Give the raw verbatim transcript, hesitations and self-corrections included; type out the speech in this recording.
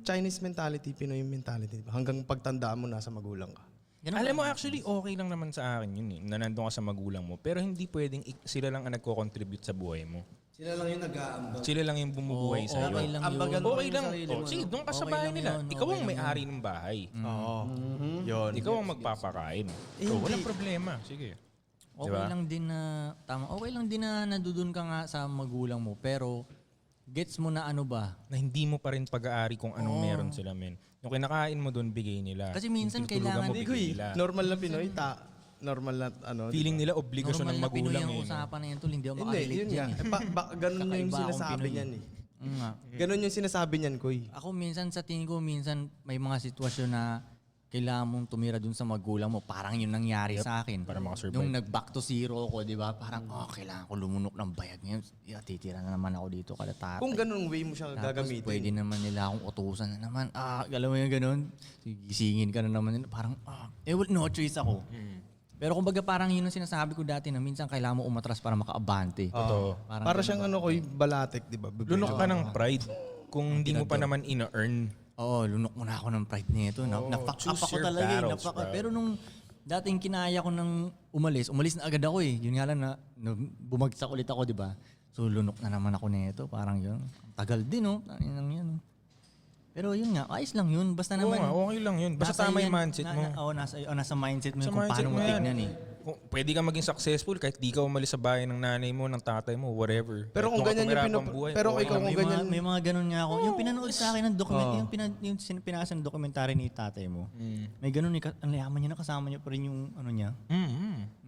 Chinese mentality, Pinoy mentality. Hanggang pagtandaan mo, nasa magulang ka. Ganun Alam ba? mo, actually, okay lang naman sa akin yun eh, na nandun ka sa magulang mo. Pero hindi pwedeng ik- sila lang ang nagko-contribute sa buhay mo. Sila lang yung nag-aambag. Sila lang yung bumubuhay Oo, sa'yo. okay lang yun. Ambagan mo Okay yung lang. sarili Oh, mo, sige, no? doon ka sa Okay bahay lang nila. yun, Ikaw okay ang lang may-ari ng bahay. Oo. Yun. Ikaw ang magpapakain. Eh, Oh, hindi. walang problema. Sige. Okay Diba? lang din na, tama, okay lang din na nadudun ka nga sa magulang mo, pero gets mo na ano ba? Na hindi mo pa rin pag-aari kung anong meron sila, men. Yung kinakain mo doon, bigay nila. Kasi minsan Yung tinutulugan kailangan- mo, Hindi ko bigay eh. nila. Normal na Pinoy, ta normal na ano. Feeling nila obligasyon Normal ng na Pinoy magulang ang eh. no? usapan na yan, tol. Hindi ako Hindi, makarelate yun nga. dyan eh. Eh, pa, ba, ganun yung Kakaiba akong sinasabi Pinoy. niyan eh. Mm, nga. Ganun yung sinasabi niyan, Koy. Ako minsan sa tingin ko, minsan may mga sitwasyon na kailangan mong tumira dun sa magulang mo. Parang yun nangyari sa akin. para makasurvive. Nung nag-back to zero ko, di ba? Parang, oh, kailangan ko lumunok ng bayag ngayon. Yeah, titira na naman ako dito kada tatay. Kung ganun way mo siya Tapos gagamitin. pwede naman nila akong utusan na naman. Ah, alam mo yung ganun? Gisingin ka na naman nila. Parang, ah, eh, well, no choice ako. Pero kumbaga parang yun ang sinasabi ko dati na minsan kailangan mo umatras para makaabante. Totoo. Parang Para ganun siyang ba? ano, Koy, balatek, di ba? Lunok ka ng pride kung hindi mo pa naman ina-earn. Oo, lunok mo na ako ng pride nito. Na, Oo, na-fuck choose up ako your talaga eh. battles, Na-fuck up. bro. Pero nung dating kinaya ko nang umalis, umalis na agad ako eh. Yun nga lang na, na bumagsak ulit ako, di ba? So lunok na naman ako nito. Parang yun. Ang tagal din oh. Ano lang yan oh. Pero yun nga, ayos lang yun. Basta Oo naman. nga, okay lang yun. Basta nasa tama yung yan- mindset na- mo. Na, oh, nasa, oh, nasa mindset mo Sa yun kung mindset paano mo mo yan. tignan eh. Kung pwede ka maging successful kahit di ka umalis sa bahay ng nanay mo, ng tatay mo, whatever. Pero kung Kahit ganyan yung tumira pinu- pang buhay, pero okay ikaw lang kung may, yun. ganyan- mga, may mga ganun nga ako. Yung pinanood sa akin ng document, yung, pinan, yung sin- pinasa ng dokumentary ni tatay mo. Mm. May ganun, eh, ka- ang yaman niya na kasama niya pa rin yung ano niya. Mm, mm.